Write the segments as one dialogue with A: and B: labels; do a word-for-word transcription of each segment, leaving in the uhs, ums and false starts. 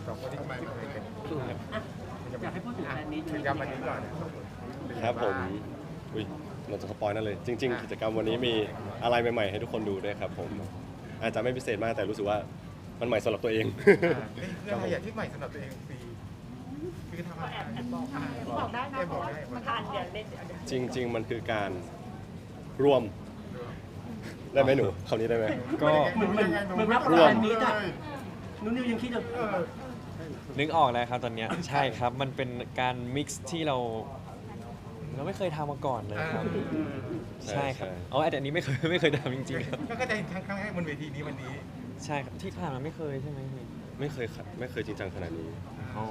A: สองคนที่ทำไมไม่เป็น
B: อยากให้พูดถึงแฟนมีต
A: กิจกรรมวันนี้ก่อน
C: ครับผมอุ้ยเราจะสปอยนั่นเลย จริง ๆ กิจกรรมวันนี้มีอะไรใหม่ๆให้ทุกคนดูด้วยครับผมอาจจะไม่พิเศษมากแต่รู้สึกว่ามันใหม่สำหรับตัวเอง
A: เรื่องอะไรอย่างที่ใหม่สำหรับตัวเองปีคือทำอะไร
D: แอบบอกบอกได้นะเพราะว่าประธานเดี๋ยวเล่นเดี๋ยวเดี๋ยว
C: จริง ๆ มันคือการร่วมได้ไหมหนูคำนี้ได้ไหม
B: ก็เหมือนเหมือนเหมือนรับประ
C: ร่วม
B: ทานมีดอ่ะนุ่นนิวยังคิดอยู่
E: นึกออกแล้วครับตอนเนี้ยใช่ครับมันเป็นการมิกซ์ที่เรา เราไม่เคยทำมาก่อนเลยครับ ใช่ครับอ๋อแต่อันนี้ไม่เคยไม่เคยทำจริงๆครับ
A: ก็ได้ครั้งแรกบนเวทีนี้วันนี้
E: ใช่ครับที่ผ่านมาไม่เคยใช่ไหมพี่
C: ไม่เคยครับไม่เคยจริงจังขนาดนี้
E: อ๋อ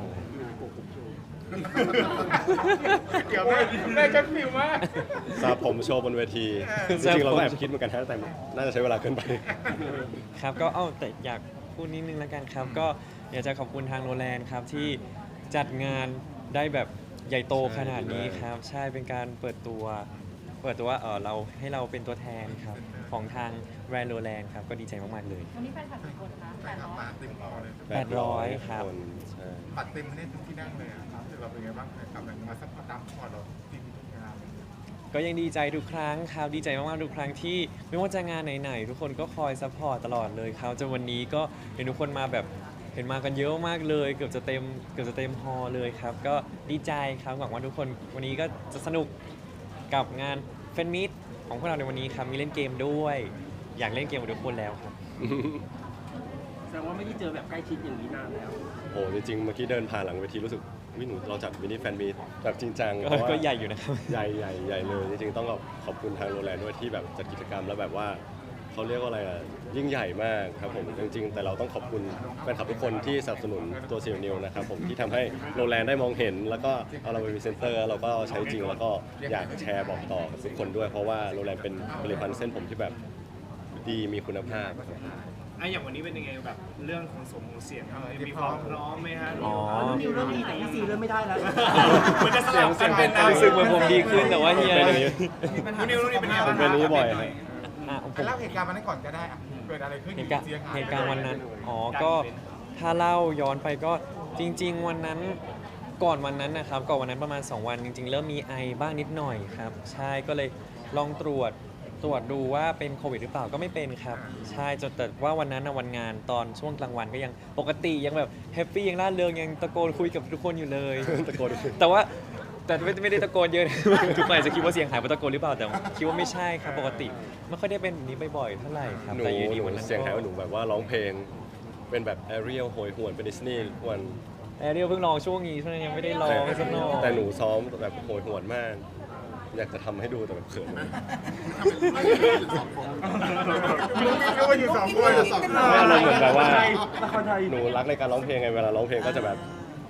A: เดี๋ยวแม่แม่จะฟิวมาก
C: สาผมโชว์บนเวทีจริงๆเราก็แอบคิดเหมือนกันนะแต่น่าจะใช้เวลาเกินไป
E: ครับก็เอ้าแต่อยากพูดนิดนึงแล้วกันครับ ก็อยากจะขอบคุณทางโรแลนด์ครับที่จัดงานได้แบบใหญ่โตขนาดนี้ครับ ใช่เป็นการเปิดตัวเปิดตัวว่าเออเราให้เราเป็นตัวแทนครับของทางแบรนด์โรแลนด์ครับก็ดีใจมากๆเลย
D: วันนี้แฟนคลับกี่คนคะแปดร้อย
A: มาเต็มหอเลย
E: แปดร้อยครับ
C: นใช่
A: ปัดเต็มไม่ได้ทุกที่นั่งเลยครับเราเป็นไงบ้างกับมาซัพพอร์ตตามพอเราทีมทุกงาน
E: ก็ยังดีใจทุกครั้งครับดีใจมากๆทุกครั้งที่ไม่ว่าจะงานไหนๆทุกคนก็คอยซัพพอร์ตตลอดเลยครับจนวันนี้ก็เห็นทุกคนมาแบบเห็นมากันเยอะมากเลยเกือบจะเต็มเกือบจะเต็มฮอลล์เลยครับก็ดีใจครับหวังว่าทุกคนวันนี้ก็จะสนุกกับงานแฟนมิตของพวกเราในวันนี้ครับมีเล่นเกมด้วย อยากเล่นเกมกับทุกคนแล้วครับ
B: แสดงว่าไม่ได้เจอแบบใกล้ชิดอย่างนี้นานแล้ว
C: โอ้จริงๆเมื่อกี้เดินผ่านหลังเวทีรู้สึกวิหนูเราจัดมินิแฟนมีตแบบจริงจัง
E: ก็
C: เพราะว่า
E: ก็ใหญ่อยู่นะครับ
C: ใหญ่ใหญ่ใหญ่เลยจริงๆต้องขอบคุณทางโรแลนด์ด้วยที่แบบจัดกิจกรรมแล้วแบบว่าเขาเรียกว่าอะไรอ่ะยิ่งใหญ่มากครับผมจริงๆ แต่เราต้องขอบคุณแฟนคลับทุกคนที่สนับสนุนตัวซีนิวนะครับผมที่ทำให้โรแลนด์ได้มองเห็น แล้วก็เอาเราไปพรีเซนเตอร์เราก็ใช้จริงแล้วก็อยากแชร์บอกต่อกับทุกคนด้วย เพราะว่าโรแลนด์เป็นผลิตภัณฑ์เส้นผมที่แบบดีมีคุณภาพครับ
F: ไอ้อย่างวันนี้เป็นยังไงแบบเรื่องของสมของเสียงครับมีความพร้อมไหมฮะ
E: อ๋อ
B: นุ่นนิวเริ่มดีแต่อีซีเริ่มไม่ได้แล้ว
F: มันจะสลับกันเป็นนะ
E: รู้สึกเหมือนผมดีขึ้นแต่ว่าเฮีย
C: เป็นอย่างนี้
F: นุ่นนิวนุ่นนิวเป็นยังไง
C: ผม
F: บ้าง
C: เป็นอย่างนี้บ่อยครับ
E: อ่ะผม
A: เล่าเหตุการณ์วันนั้นก่อนก็ได้อะเกิดอะไรขึ้น
E: เหตุการณ์เหตุการณ์วันนั้น อ๋อ ก็ถ้าเล่าย้อนไปก็จริง ๆ วันนั้นก่อนวันนั้นนะครับก่อนวันนั้นประมาณ สอง วันจริง ๆ เริ่มมีไอบ้างนิดหน่อยครับ ใช่ก็เลยลองตรวจตรวจดูว่าเป็นโควิดหรือเปล่าก็ไม่เป็นครับ ใช่จนแต่ว่าวันนั้นนะวันงานตอนช่วงกลางวันก็ยังปกติยังแบบแฮปปี้ยังร่าเริงยังตะโกนคุยกับทุกคนอยู่เลย
C: ตะโกน
E: แต่ว่าแต่ไม่ไม่ได้ตะโกนเยอะนะ ทุกคนอาจจะคิดว่าเสียงหายเพราะตะโกนหรือเปล่าแต่คิดว่าไม่ใช่ครับปกติไม่ค่อยได้เป็นแบบนี้บ่อยๆเท่าไหร่ครับ
C: หนู
E: แต่อยู่
C: ห
E: ดี
C: นู
E: วันนั้น
C: เสียงหายว่าหนูแบบว่าร้องเพลง เป็นแบบแอเรียลโหยหวนเป็นดิสนีย์ทุกวัน
E: แอเรียลเพิ่งลองช่วงนี้เท่านั้นยังไม่ได้ลองสักหน่อย
C: แต่หนูซ้อมแบบโหยหวนมาก อยากจะทำให้ดูแต่แบบเขิน
A: ก็ว่าอยู่สองคนสองคน
C: ไม่อารมณ์เหมือนแบบว่า
B: ละครไทย
C: หนูรักในการร้องเพลงไงเวลาร้องเพลงก็จะแบบ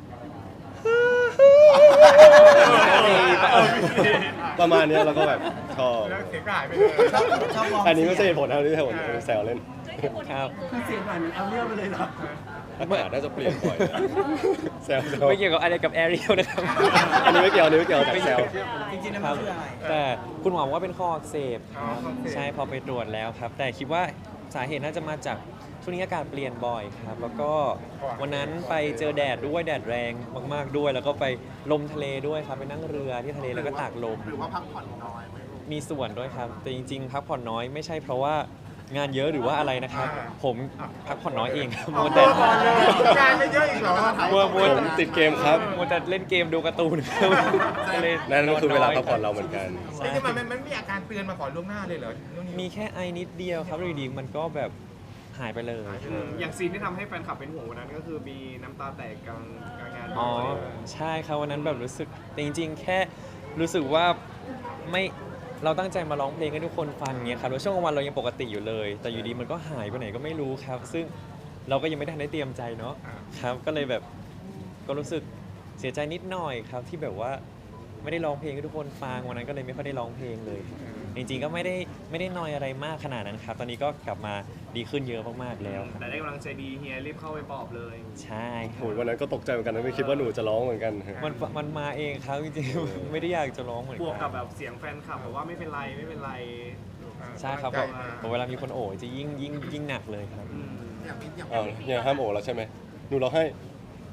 C: ประมาณเนี้ยแล้วก็แบบชอบ
A: แล้วเสียงก็หายไปเลย
C: อันนี้ไม่ใช่เหตุผลนะอันนี้เหตุผลแซวเล่น
E: ครับ
B: คือเสียงหายเหมือนแอลเลียลไปเลยเหรอ
C: อากาศน่าจะเปลี่ยนบ่อยแซวแซว
E: ไม่เกี่ยวกับอะไรกับแอเรียลนะครับ
C: อันนี้ไม่เกี่ยวอันนี้ไม่เกี่ยวแต่แซว
B: จริงๆแล้ว
E: ค
B: มั
E: รั
B: น
E: บ
B: คืออะไร
E: แต่คุณหมอบอกว่าเป็นข้ออักเสบ
A: อ๋อโอเค
E: ใช่พอไปตรวจแล้วครับ แต่คิดว่าสาเหตุน่าจะมาจากช่วงนี้อากาศเปลี่ยนบ่อยครับ แล้วก็วันนั้นไปเจอแดดด้วยแดดแรงมาก ๆด้วย แล้วก็ไปลมทะเลด้วยครับไปนั่งเรือที่ทะเลแล้วก็ตากลม
A: หรือว่าพักผ่อนน้อย
E: มีส่วนด้วยครับ แต่จริง ๆ พักผ่อนน้อยไม่ใช่เพราะว่างานเยอะหรือว่าอะไรนะครับ ผมพักผ่อนน้อยเองครับมัวแต่
A: งานไม่เยอะอีกเหรอ
E: มัวมัว
C: ผมติดเกมครับ
E: มัวแต่เล่นเกมดูการ์ตูนครับก็เลย
C: นั่นก็คือเวลาพักผ่อนเราเหมือนกัน
A: ไอ้ที่มันมันมีอาการเตือนมาก่อนล่วงหน้าเลยเหรอ
E: มีแค่ไอนิดเดียวครับอยู่ดีๆมันก็แบบหายไปเลย
F: อย่างซีนที่ทำให้แฟนคลับเป็นห่วงวันนั้นก็คือมีน้ำตาแตกกลางกลางงาน
E: อ๋อใช่ครับวันนั้นแบบรู้สึกแต่จริงๆ แค่รู้สึกว่าไม่เราตั้งใจมาร้องเพลงให้ทุกคนฟังเงี้ยครับแล้วช่วงกลางวันเรายังปกติอยู่เลย แต่อยู่ดีมันก็หายไปไหนก็ไม่รู้ครับ ซึ่งเราก็ยังไม่ทันได้เตรียมใจเนาะครับก็เลยแบบก็รู้สึกเสียใจนิดหน่อยครับที่แบบว่าไม่ได้ร้องเพลงให้ทุกคนฟังวันนั้นก็เลยไม่ค่อยได้ร้องเพลงเลยครับจริงๆก็ไม่ได้ไม่ได้นอยอะไรมากขนาดนั้นครับตอนนี้ก็กลับมาดีขึ้นเยอะมากๆแล้วครับ
F: แต่ได้กำลังใจดีเฮียรีบเข้าไปปลอบเลย
E: ใช่ครั
C: โอ้
E: บ
C: ยวันนั้นก็ตกใจเหมือนกันนะไม่คิดว่าหนูจะร้องเหมือนกัน
E: มันมันมาเองครับจริงๆ ไม่ได้อยากจะร้องเหมือน
F: บวก
E: กั
F: กัน บแบบเสียงแฟนคลับบอกว่าไม่เป็นไรไม่เป็นไร
E: ใช่ครับเพราะเพราะเวลามีคนโอบจะยิ่งยิ่งยิ่งหนักเลยครับ
F: อืม
C: อ้าวเนี่ยห้ามโอบแล้วใช่ไหมหนูร้องให้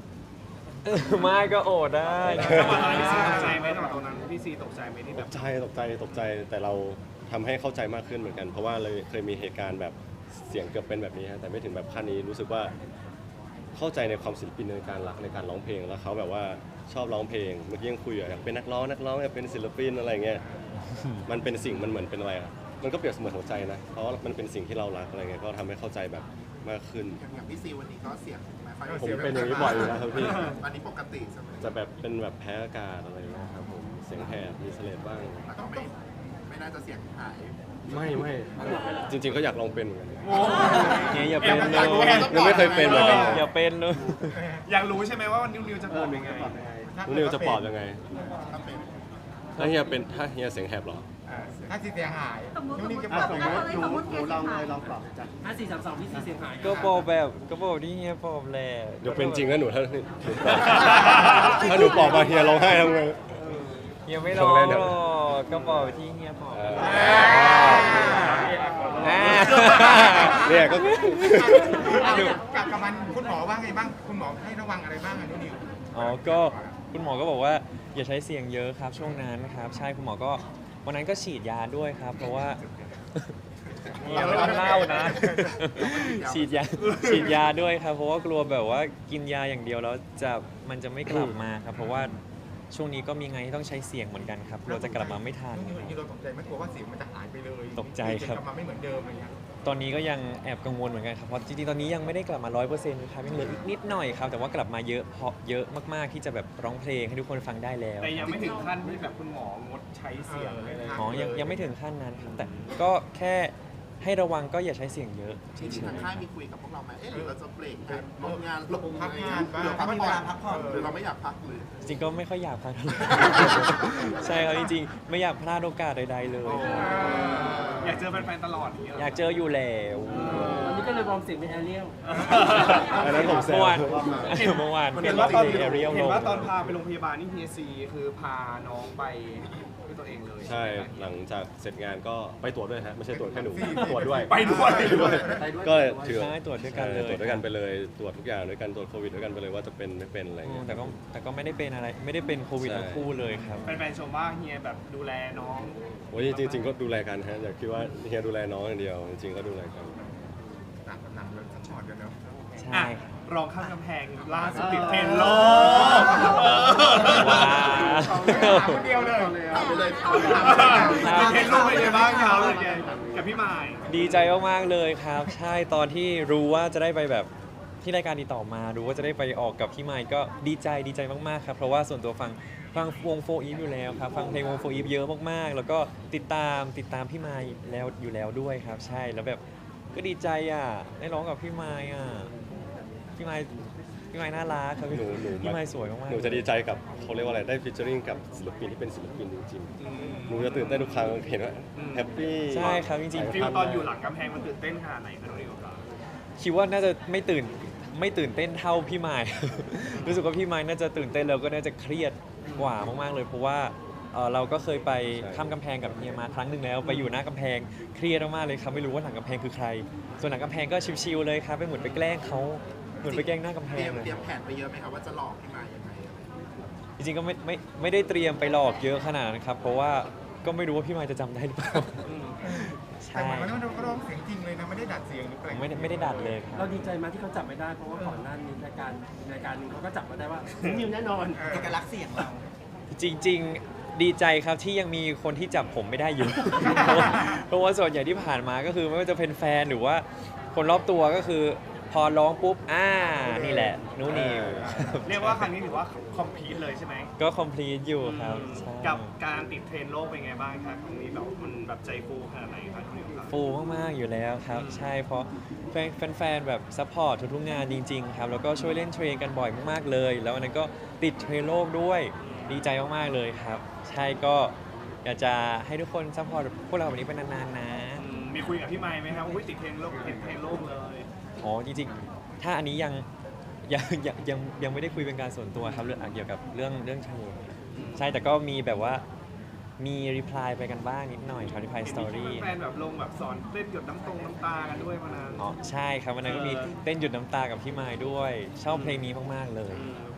E: ไม่ก็โอดได้
F: จังหวะนั้นพี่ซีตกใจไหมจังหวะตรงนั้นพี่ซีตกใจไหมที่
C: ต
F: แบบ
C: กใจตกใจตกใจแต่เราทำให้เข้าใจมากขึ้นเหมือนกัน เพราะว่าเลยเคยมีเหตุการณ์แบบเสียงเกือบเป็นแบบนี้ฮะแต่ไม่ถึงแบบขั้นนี้รู้สึกว่าเข้าใจในความศิลปินในการรักในการร้องเพลงแล้วเขาแบบว่าชอบร้องเพลงเมื่อกี้ยังคุยอยู่อยากเป็นนักร้องนักร้องอยากเป็นศิลปินอะไรเงี้ยมันเป็นสิ่งมันเหมือนเป็นอะไรอะมันก็เปรียบเสมือนหัวใจนะเพราะว่ามันเป็นสิ่งที่เรารักอะไรเงี้ยก็ทำให้เข้าใจแบบมากขึ้น
G: อย่างอย่างพี่ซีวันนี้ก็เสียงไม่ค่อย
C: ผมเป็นอย่างนี้บ่อยอยู่แล้วครับพี่
G: อันนี้ปกติใช่ไหม
C: จะแบบเป็นแบบแพ้อากาศอะไรเงี้ยครับผมเสียงแหบมีเสลดบ้าง
G: แต่ก็ไม่ไม่น่าจะเสียงหาย
C: ไม่ไม่จริง ๆ ก็อยากลองเป็นเหมือนกัน
E: เนี่ยอย่าเป็นเลย
C: ยังไม่เคยเป็นเหมือนกัน
E: อย่าเป็นเลย
F: อยากรู้ใช่ไหมว่านิวนิวจะตอบยังไง
C: นุนิวจะปลอบยังไง
G: ถ้าเป็น
C: ถ้าเฮียเป็นถ้าเฮียเสียงแหบเหรอ
A: อ่าถ้าสิเสียหาย
D: สมมติ
A: นุ่นนี่จะ
D: ส
A: บ
D: ม
A: อก
D: ม
A: เล
D: ติ
A: ยว่า
D: สมมติหนูลองเลยลองปรับ
B: ห้าสี่สามสองพี่ซีเสียงหาย
E: ก็บอกแบบก็บอกที่เฮียบอกแหละ
C: เดี๋ยวเป็นจริงนะหนูถ้าหนูปลอบถ้าหนูปลอบมาเฮียร้องไห้ทำไง
E: เฮียไม่ร้องหรอกก็บอกที่เฮียบอก
C: เออ
E: อ่า
C: เนี่ยก็
A: อ่ะกับกับมันคุณหมอว่าไงบ้าง คุณหมอให้ระวังอะไรบ้างอ่ะนุ่นนิว
E: อ๋อก็คุณหมอก็บอกว่าอย่าใช้เสียงเยอะครับช่วงนั้นครับใช่คุณหมอก็วันนั้นก็ฉีดยาด้วยครับ เพราะว่า ยังไม่ต้องเล่านะ ฉีดยาฉีดยาด้วยครับ เพราะว่ากลัวแบบว่ากินยาอย่างเดียวแล้วจะมันจะไม่กลับมาครับ เพราะว่าช่วงนี้ก็มีงานที่ต้องใช้เสียงเหมือนกันครับเราจะกลับมาไม่ทัน
A: นุ่นนิวเราตกใจไหมกลัวว่าเสียงมันจะหายไปเลย
E: ตกใจครับ
A: กลับมาไม่เหมือนเดิมอะไรเงี้ย
E: ตอนนี้ก็ยังแอบกังวลเหมือนกันครับเพราะจริงๆตอนนี้ยังไม่ได้กลับมาร้อยเปอร์เซ็นต์ครับยังเหลืออีกนิดหน่อยครับแต่ว่ากลับมาเยอะพอเยอะมากๆที่จะแบบร้องเพลงให้ทุกคนฟังได้แล้ว
F: แต่ยังไม่ถึงขั้นที่แบบคุณหมองดใช้เสียงเลยนะ
E: อ๋อยังยังไม่ถึงขั้นนั้นครับแต่ก็แค่ให้ระวังก็อย่าใช้เสียงเยอะ
G: จริงๆทางค่ายมีคุยกับพวกเราไหมเอ๊ะหรือเราจะเบรกการลงงานลง
A: พักงานบ้าง
G: หรือพักมีเวลาพักผ่อนหรือเราไม่อยากพักหรือ
E: จริงๆก็ไม่ค่อยอยากพลาดเท่าไหร่ ใช่ครับจริงๆไม่อยากพลาดโอกาสใดๆเลยครับ
F: อยากเจอแฟนๆตลอดอย่างเงี้ย
E: อยากเจออยู่แล้ว
B: วันนี้ก็เลยวอร์มเสียงเป็นแอเรียล
C: อันนั้นผมแซ
E: เมื่
C: ว
E: อวานเมื่อวานเปลี่ยน
F: เห็นว่าตอน
E: สีแอเรียล
F: เห็
E: ล
F: น
E: ง
F: ว่าตอนพาไปโรงพยาบาลนี่เฮียซีคือพาน้องไปด้วยตัวเองเลย
C: ใช่หลังจากเสร็จงานก็ไปตรวจด้วยฮะไม่ใช่ตรวจแค่หนูตรวจด้วย
F: ไปด้วย
C: ก็ถือ
E: ใช่ตรวจด้วยกันเลย
C: ตรวจด้วยกันไปเลยตรวจทุกอย่างด้วยกันตรวจโควิดด้วยกันไปเลยว่าจะเป็นไม่เป็นอะไร
E: อื
C: เงี้
E: ม
C: ย
E: แต่ก็แต่ก็ไม่ได้เป็นอะไรไม่ได้เป็นโควิด
C: ใช่
E: ทั้งคู่เลยครับ
F: แฟนๆชมว่าเฮียแบบดูแลน้อง
C: โอ้ยจริงๆก็ดูแลกันฮะอย่าคิดว่าเฮียดูแลน้องอย่างเดียวจริงๆก็ดูแลกัน
A: หนักหนักเลยทั้งหมดเลยเนาะ
E: ใช่
F: อ่ะ
E: ครับ
F: รองข้ามกำแพงล่าสุดติดเทรนด์โลก
E: ว้าว
A: คนเดียวเลย
G: ถามไปเลยถาม
F: ติดเทรนด์โลกเป็นยังไงบ้างครับเป็นไงกับพี่หมาย
E: ดีใจมากๆเลยครับ ใช่ตอนที่รู้ว่าจะได้ไปแบบที่รายการติดต่อมารู้ว่าจะได้ไปออกกับพี่ไมค์ก็ดีใจดีใจมากๆครับเพราะว่าส่วนตัวฟังฟังวงโฟอีฟอยู่แล้วครับฟังเพลงวงโฟอีฟเยอะมากๆ แล้วก็ติดตามติดตามพี่ไมค์แล้วอยู่แล้วด้วยครับ ใช่แล้วแบบก็ดีใจอ่ะได้ร้องกับพี่ไมค์อ่ะพี่ไมค์พี่ไมค์น่ารักครับ
C: หนูหนู
E: พี่ไมค์สวยมากๆ
C: หนูจะดีใจกับเขาเรียกว่าอะไรได้ฟิชเจอริงกับศิลปินที่เป็นศิลปินจริงๆหนูจะตื่นเต้นทุกครั้งเห็นว่าแฮปปี้
E: ใช่ครับจริงๆ
F: ฟิลตอนอยู่หลังกำแพงมันตื่นเต้นขนาดไหนครับน้องนิวครับ
E: คิดว่าน่าจะไม่ตื่นไม่ตื่นเต้นเท่าพี่ไมค์ รู้สึกว่าพี่ไมค์น่าจะตื่นเต้นแล้วก็น่าจะเครียดกว่ามากๆเลย เพราะว่าเอ่อเราก็เคยไปข้ามกำแพงกับเฮียมาครั้งหนึ่งแล้วไปอยู่หน้ากำแพงเครียดมากๆเลยครับไม่รู้ว่าหลังกำแพงคือใคร ส่วนหลังกำแพงก็ชิวๆเลยครับไปเหมือนไปแกล้งเขาเหมือนไปแกล้งหน้ากำแพ
G: เตรีย
E: ง
G: ม
E: เลย
G: เตรียมแผนไปเยอะไหมครับว่าจะหลอกพี่มายังไงอะไร
E: จริงๆก็ไม่ไม่ไม่ได้เตรียมไปหลอกเยอะขนาดนั้นครับเพราะว่าก็ไม่รู้ว่าพี่ไมค์จะจำได้หรือเปล่า
A: แต่
E: ใช่
A: เหมือนมันก็ร้องเสียงจริงเลยนะไม่ได้ดัดเสียงหรือเปล่า
E: ไม่ได้ไม่ได้ดัดเลยค
B: เรา
E: รับ
B: ดีใจมากที่เขาจับไม่ได้เพราะว่าก่อนหน้านี้รายการรายการหนึงเขาก็จับมาได้ว่านิวแน่นอนเอกลักษณ์เสียงเรา
E: จริงๆดีใจครับที่ยังมีคนที่จับผมไม่ได้อยู่ เพราะว่าเพราะว่าส่วนใหญ่ที่ผ่านมาก็คือไม่ว่าจะเป็นแฟนหรือว่าคนรอบตัวก็คือ พอร้องปุ๊บอ่านี่แหละนูนิว
F: เรียกว่าครั้งนี้ถือว่าคอมพลีทเลยใช่ไหม
E: ก็คอมพลีทอยู่ครับใช่
F: กับการติดเทรนด์โลกเป็นไงบ้างครับครั้งนี้แบบมันแบบใจฟูขนาดไหนครับน้องนิวครับ
E: ฟูมากๆอยู่แล้วครับ ใช่เพราะแฟนแฟนๆแบบซัพพอร์ตทุกๆงานจริงๆครับแล้วก็ช่วยเล่นเทรนกันบ่อยมากๆเลย แล้วอันนั้นก็ติดเทรนโลกด้วยดีใจมากๆเลยครับ ใช่ก็อยากจะให้ทุกคนซัพพอร์ตพวกเราแบบนี้ไปนานๆนะ
F: อืมมีคุยกับพี่ไมค์ไหมครับว่าติดเทรนด์โลกติดเทรนด์โลกเลย
E: อ๋อจริงๆ ถ้าอันนี้ยังยังยังยังยังไม่ได้คุยเป็นการส่วนตัวครับเรื่องอ่ะเกี่ยวกับเรื่องเรื่องเทรนใช่แต่ก็มีแบบว่ามีรีプライไปกันบ้างนิดหน่อยครับรีプライสตอรี่
F: แฟนๆแบบลงแบบสอนเต้นหยดน้ำตรงน้ำตากันด้วยมานาน
E: อ๋อใช่ครับวันนั้นก็มีเต้นหยุดน้ำตากับพี่ไม้ด้วย ชอบเพลงนี้มากๆเลย
F: อืม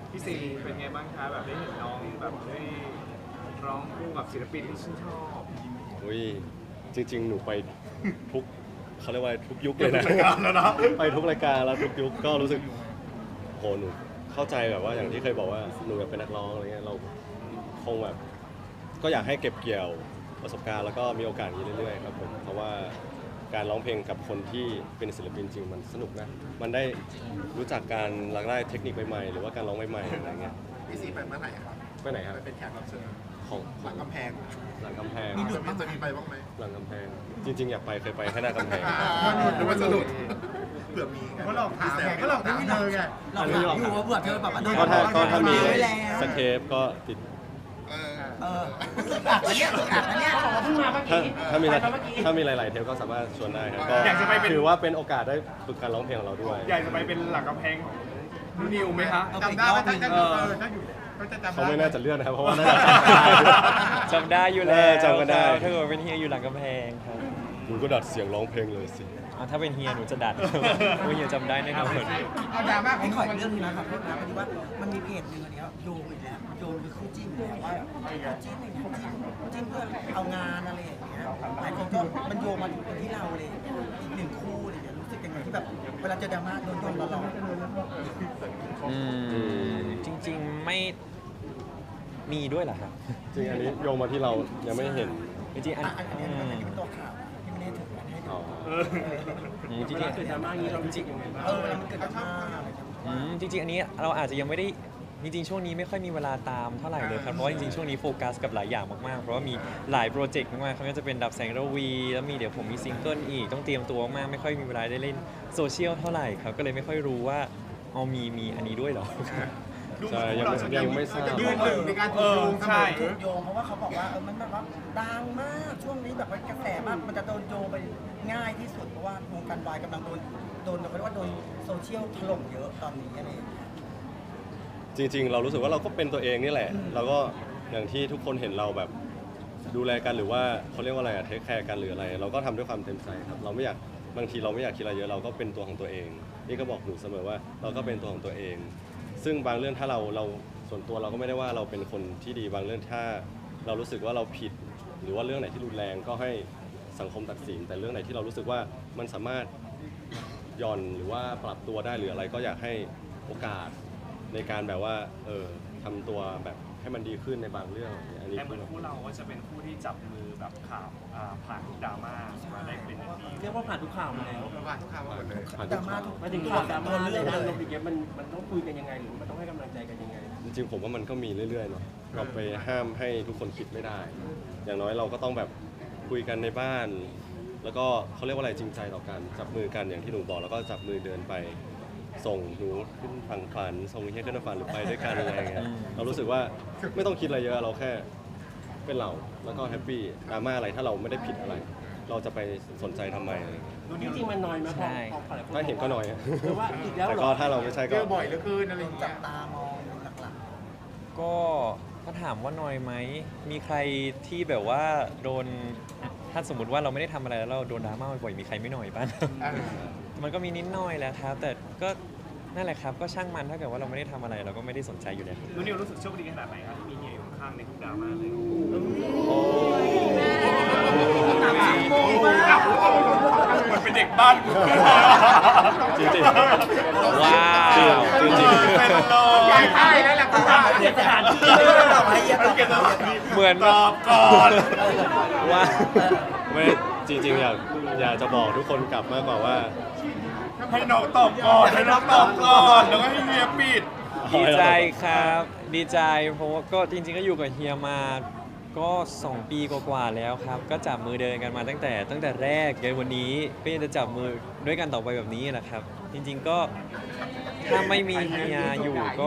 F: พี่ซีเป็นไงบ้างคะแบบได้เห็นน้องแบบได้ร้องคู่กับศิลปินที่ชื่นชอบ
C: อุ้ยจริง ๆ หนูไปทุกเขาเรียกว่าทุกยุคเลยนะ
F: แล้วเนาะ
C: ไปทุกรายการแล้วทุกยุคก็รู้สึกโหหนูเข้าใจแบบว่าอย่างที่เคยบอกว่าหนูอยากเป็นนักร้องอะไรเงี้ยเราคงแบบก็อยากให้เก็บเกี่ยวประสบการณ์แล้วก็มีโอกาสอย่างนี้เรื่อยๆครับผมเพราะว่าการร้องเพลงกับคนที่เป็นศิลปินจริงมันสนุกนะมันได้รู้จักการหลากหลายเทคนิคใหม่ๆหรือว่าการร้องใหม่ๆอะไรเงี้ย
G: พี่ซีไปเมื่อไหร่ครับ
C: ไปไหนครับ
G: ไปเป็นแขกรับเชิญ
C: ของ
G: หลังกำแพง
C: หลังกำแพง
G: มีหลุดบ้างจะมีไปบ้างไหม
C: หลังกำแพงจริง ๆ อยากไปเคยไปแค่หน้ากำแพง
G: หรือว่าจะหลุดเผื่อมี
A: เขาหลอกถามไงเขาหลอกถามเธอไง
C: อันนี้หรอ
H: อยู่ว่าเบื่อเธอแบบว่าโดน
C: ก็ถ้าก็ถ้ามี
H: ไว้แล้ว
C: สเทปก็ติด
G: เออ
H: เอออัดอันเนี้ยอัดอันเนี้ย
B: เพิ่งมาเมื่อ
C: ถ้า
B: กี้
C: ถ้ามี
B: ไปเมื่อกี้
C: ถ้ามีหลาย ๆ เทปก็สามารถชวนได้ครับก็
F: อยากจะไปเป็น
C: ถือว่าเป็นโอกาสได้ฝึกการร้องเพลงของเราด้วย
F: อยากจะไปเป็นหลักกำแพงของนูนิวไหมคะ
A: จำได้ไหมถ้าถ้าอยู่เออถ้าอยู่เขาจะจำได้
C: เขาไม่น่าจะเลื่อนนะครับเพราะว่าน่าจะ
E: จำได้อยู่แล้
C: เอ
E: ว
C: อจำกันได้
E: ครับถ้าเกิดว่าเป็นเฮียอยู่หลังกำแพงครับ
C: คุณก็ดัดเสียงร้องเพลงเลยสิ
E: อ่ะถ้าเป็นเฮียหนูจะดัด ว่าเฮียจำได้แน่นอน
A: เอาดราม่าข
H: ไอ้
A: อง
H: ขอ
A: มั
H: อี
A: น
H: กเรื่องนึงนะขอโทษนะพอดีว่ามันมีเพจหนึ่งอันเนี้ยโยงอีกแล้วโยงคือคู่จิ้นแล้วว่าคู่จิ้นอะไรเงี้ยจิ้นจิ้นเพื่อเอางานอะไรอย่างเงี้ยหลายคนก็มันโยงมาถึงที่เราเลยอีกหนึ่งคู่อะไรเงี้ยรู้สึกยังไงที่แบบเวลาเจอดราม่าโดนโยงตลอด
E: อืมจริง ๆไม่มีด้วยเหรอครับ
C: จริงอันนี้โยงมาที่เรายังไม่เห็น
E: จริงๆอัน
H: อ่ะอัน
E: อื
H: นี้อัน
E: ม
H: นี้เป็นตัวข่าวที่ไม่ได้ถึงกันให้ดู
C: อ๋อ
E: อืมจ
B: เว
E: ริง
B: ลาเกิดดราม่าอย่างนี้เรารู้สึกยังไงบ้าง
H: เออเวลามันเกิดดราม่าอะไรอย่างเงี้ย
E: ๆอืมจริง ๆ อันนี้เราอาจจะยังไม่ได้จริง ๆ ช่วงนี้ไม่ค่อยมีเวลาตามเท่าไหร่เลยครับเพราะว่าจริงๆช่วงนี้โฟกัสกับหลายอย่างมากๆเพราะว่ามีหลายโปรเจกต์มากๆเขาก็จะเป็นดับแสงระวีแล้วมีเดี๋ยวผมมีซิงเกิลอีกต้องเตรียมตัวมากไม่ค่อยมีเวลาได้เล่นโซเชียลเท่าไหร่ครับก็เลยไม่ค่อยรู้ว่าเอามีมีอันนี้ด้วยเหรอ
C: ใช่ยังไม่ยังไม่ทราบ
A: ยืนหนึ่งในการถูกโยงเสมอ
H: ถูกโยงเพราะว่าเขาบอกว่าเออมันแบบว่าดังมากช่วงนี้แบบว่ากระแสมากมันจะโดนโยงไปง่ายที่สุดเพราะว่าวงการวายกำลังโดนโดนเขาเรียกว่าโดนโซเชียลถล่มเยอะตอนนี้อะไรอย่างเงี้ย
C: จริง ๆ เรารู้สึกว่าเราก็เป็นตัวเองนี่แหละเราก็อย่างที่ทุกคนเห็นเราแบบดูแลกันหรือว่าเขาเรียกว่าอะไรอะเทคแคร์กันหรืออะไร เราก็ทำด้วยความเต็มใจครับเราไม่อยากบางทีเราไม่อยากคิดอะไรเยอะเราก็เป็นตัวของตัวเองนี่ก็บอกหนูเสมอว่าเราก็เป็นตัวของตัวเอง ซึ่งบางเรื่องถ้าเราเราส่วนตัวเราก็ไม่ได้ว่าเราเป็นคนที่ดีบางเรื่องถ้าเรารู้สึกว่าเราผิด หรือว่าเรื่องไหนที่รุนแรงก็ให้สังคมตัดสินแต่เรื่องไหนที่เรารู้สึกว่ามันสามารถหย่อนหรือว่าปรับตัวได้หรืออะไรก็อยากให้โอกาสในการแบบว่าเออทำตัวแบบให้มันดีขึ้นในบางเรื่องอันนี้
F: แต่เหมือนคู่เราก็จะเป็นคู่ที่จับมือแบบข่าวอ่าผ่านทุกดราม่ามาได้เป็นอย่างดี
B: เรียกว่าผ่านทุกข่าวมาแล้ว
A: ผ่านทุกข่าวมาหมดเลย
C: ผ่าน
H: ด
C: ทุ
H: ราก ม่า
C: ข่าว
H: ทุก
B: มาถึงข่าวดราม่าเลยนะลงอย่างเงี้ยมันมันต้องคุยกันยังไงหรือมันต้องให้กำลังใจกันยังไง
C: จริงๆผมว่ามันก็มีเรื่อยๆเนาะเราไปห้ามให้ทุกคนคิดไม่ได้ อย่างน้อยเราก็ต้องแบบคุยกันในบ้าน แล้วก็เขาเรียกว่าอะไรจริงใจต่อกันจับมือกันอย่างที่หนูบอกแล้วก็จับมือเดินไปส่งหนูขึ้นฝั่งฝันส่งเฮียขึ้นฝั่งหรือไปด้วยกันอะไรอย่างเงี้ยเรารู้สึกว่าไม่ต้องคิดอะไรเยอะเราแค่เป็นเราแล้วก็แฮปปี้ดราม่าอะไรถ้าเราไม่ได้ผิดอะไร เราจะไปสนใจทำไมอะไรอย่างเงี้ย
B: จริงๆมันน้อยไหมพอ
E: ใช่
B: พอผ่าน
C: ถ้าเห็นก็หน่อยอะ
B: หรือว่าอีกแล้ว
C: แต่
B: เหร
C: ก็
B: อ
C: ถ้าเราไม่ใช่
A: เจ
C: ก็
A: อบ่อยเหลือเกินอะไร
H: โด
A: อน ย่าง
H: จั
A: เงี้
H: บ
A: ย
H: ตามองหลัก
E: ก็ถ้าถามว่าน้อยไหมมีใครที่แบบว่าโดนถ้าสมมติว่าเราไม่ได้ทำอะไรแล้วเราโดนดราม่าบ่อยๆมีใครไม่หน่อยบ้าง
A: เออ
E: มันก็มีนิดหน่อยแหละครับ แต่ก็นั่นแหละครับก็ช่างมันถ้าเกิดว่าเราไม่ได้ทำอะไรเราก็ไม่ได้สนใจอยู่แล้ว
F: นูนิวรู้สึกโชคดีขนาดไหนครับที่มีเฮียอยู่ข้างๆในทุกดราม่าเลย เหมือนเป็นเด็กบ้าน
C: จริงๆ
E: ว้าว
C: จริงๆ
A: ใหญ่ค่ายแล้วล่ะคุณว่า
B: เดี๋ยวสถานที่
H: ๆตอบให้เยอะตอบให้เยอะ
E: เหมือน
F: ตอบก่อน
E: ว่า
C: ไม่จริงๆอยากอยากจะบอกทุกคนกลับมากกว่าว่า
F: ให้น้องตอบก่อนให้น้องตอบก่อนแล้วก็ให้เฮียปิด
E: ดีใจครับ ดีใจเพราะว่าก็จริงๆก็อยู่กับเฮียมาก็สองปีกว่าๆแล้วครับ ก็จับมือเดินกันมาตั้งแต่ตั้งแต่แรกจนวันนี้ก็ยังจะจับมือด้วยกันต่อไปแบบนี้แหละครับ จริงๆก็ถ้าไม่มีเฮียอยู่ก็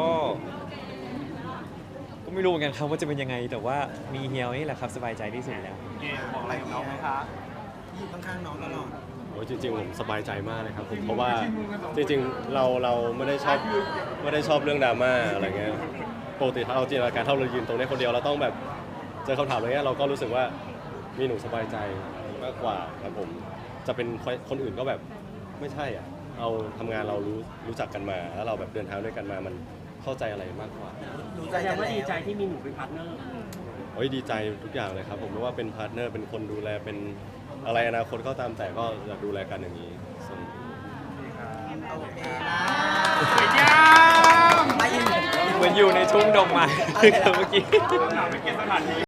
E: ก็ไม่รู้เหมือนกันครับว่าจะเป็นยังไง แต่ว่ามีเฮียนี่แหละครับสบายใจที่สุดแล้ว
F: เฮียบอกอะไรกับน้องไหมคะ
H: อยู่ข้างๆน้องตลอด
C: โอ้ยจริงๆผมสบายใจมากเลยครับผมเพราะว่าจริงๆเราเราไม่ได้ชอบไม่ได้ชอบเรื่องดราม่าอะไรเงี้ยปกติถ้าเราจินตนาการถ้าเรายืนตรงนี้คนเดียวเราต้องแบบเจอคำถามอะไรเงี้ยเราก็รู้สึกว่ามีหนูสบายใจมากกว่าครับผมจะเป็นคนอื่นก็แบบไม่ใช่อ่ะเราทำงานเรารู้รู้จักกันมาแล้วเราแบบเดินทางด้วยกันมามันเข้าใจอะไรมากกว่า
H: รู้
B: แส
H: ใจ
B: ด
H: กั
B: ง
H: น
B: ว่า
H: แล้ว
B: ดีใจที่มีหนูเป็นพาร์ทเนอร์
C: โอ้ยดีใจทุกอย่างเลยครับผมไม่ว่าเป็นพาร์ทเนอร์เป็นคนดูแลเป็นอะไรอนาคตก็ตามแต่ก็จะดูแลกันอย่างนี้ส่วน
H: โอเค
F: สวยงาม
H: ไปยิน
E: เหมือนอยู่ในทุ่งดอกไม้ เมื่อกี้
F: ถามไปเก็บสถานที่